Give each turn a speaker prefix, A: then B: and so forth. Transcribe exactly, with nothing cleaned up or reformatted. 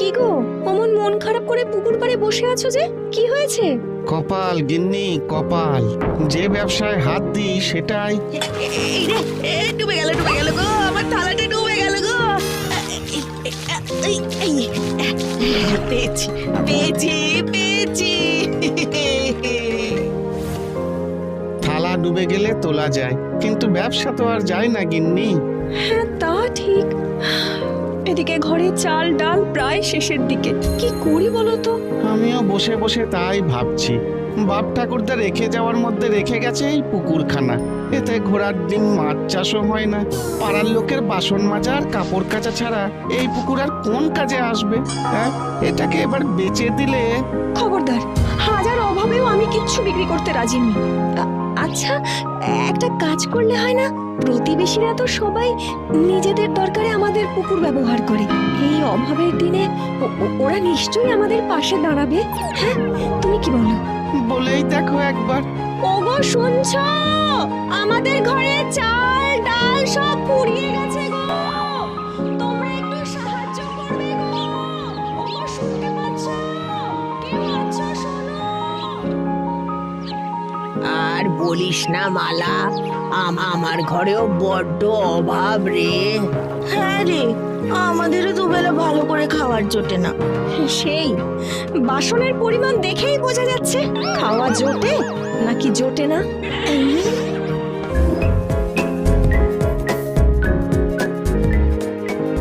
A: কি গো, অমন মন খারাপ করে পুকুর পাড়ে বসে আছো যে, কি হয়েছে?
B: কপাল গিন্নি কপাল, যে ব্যবসায় হাত দিই সেটাই।
C: এই রে, এ, ডুবে গেল ডুবে গেল গো, আমার থালাটা ডুবে গেল গো। এই, এই, পেয়েছি পেয়েছি পেয়েছি।
B: থালা ডুবে গেলে তোলা যায়, কিন্তু ব্যবসা তো আর যায় না গিন্নি।
A: হ্যাঁ তা ঠিক। এদিকে ঘরে চাল ডাল প্রায় শেষের দিকে, কি করি বলো তো?
B: আমিও বসে বসে তাই ভাবছি, বাপ ঠাকুরদা রেখে যাওয়ার মধ্যে রেখে গেছে এই পুকুরখানা। এতে ঘোড়ার ডিম মাছ চাষও হয় না, পাড়ার লোকের বাসন মাজা আর কাপড় কাচা ছাড়া এই পুকুর আর কোন কাজে আসবে? হ্যাঁ, এটাকে এবার বেচে দিলে।
A: খবরদার, হাজার অভাবেও আমি কিচ্ছু বিক্রি করতে রাজি নই। আ- আচ্ছা, একটা কাজ করলে হয় না? প্রতিবেশীরা তো সবাই নিজেদের দরকারে আমাদের পুকুর ব্যবহার করে। এই অভাবের দিনে ও- ও- ওরা নিশ্চয়ই আমাদের পাশে দাঁড়াবে। হ্যাঁ, তুমি কি বলো?
B: বলেই দেখো একবার।
A: ওগো শুনছো? আমাদের ঘরে চাল ডাল সব ফুরিয়ে গেছে গো, তোমরা একটু সাহায্য করবে গো। ওগো শুনতে পাচ্ছো? কেউ আছো শোনো?
C: আর বলিস না মালা, আম- আমার ঘরেও বড্ড অভাব রে। হ্যাঁ রে, আমাদেরও দুবেলা ভালো করে খাবার জোটে না।
A: সেই বাসনের পরিমাণ দেখেই বোঝা যাচ্ছে, খাওয়া জোটে নাকি জোটে না।
C: এই,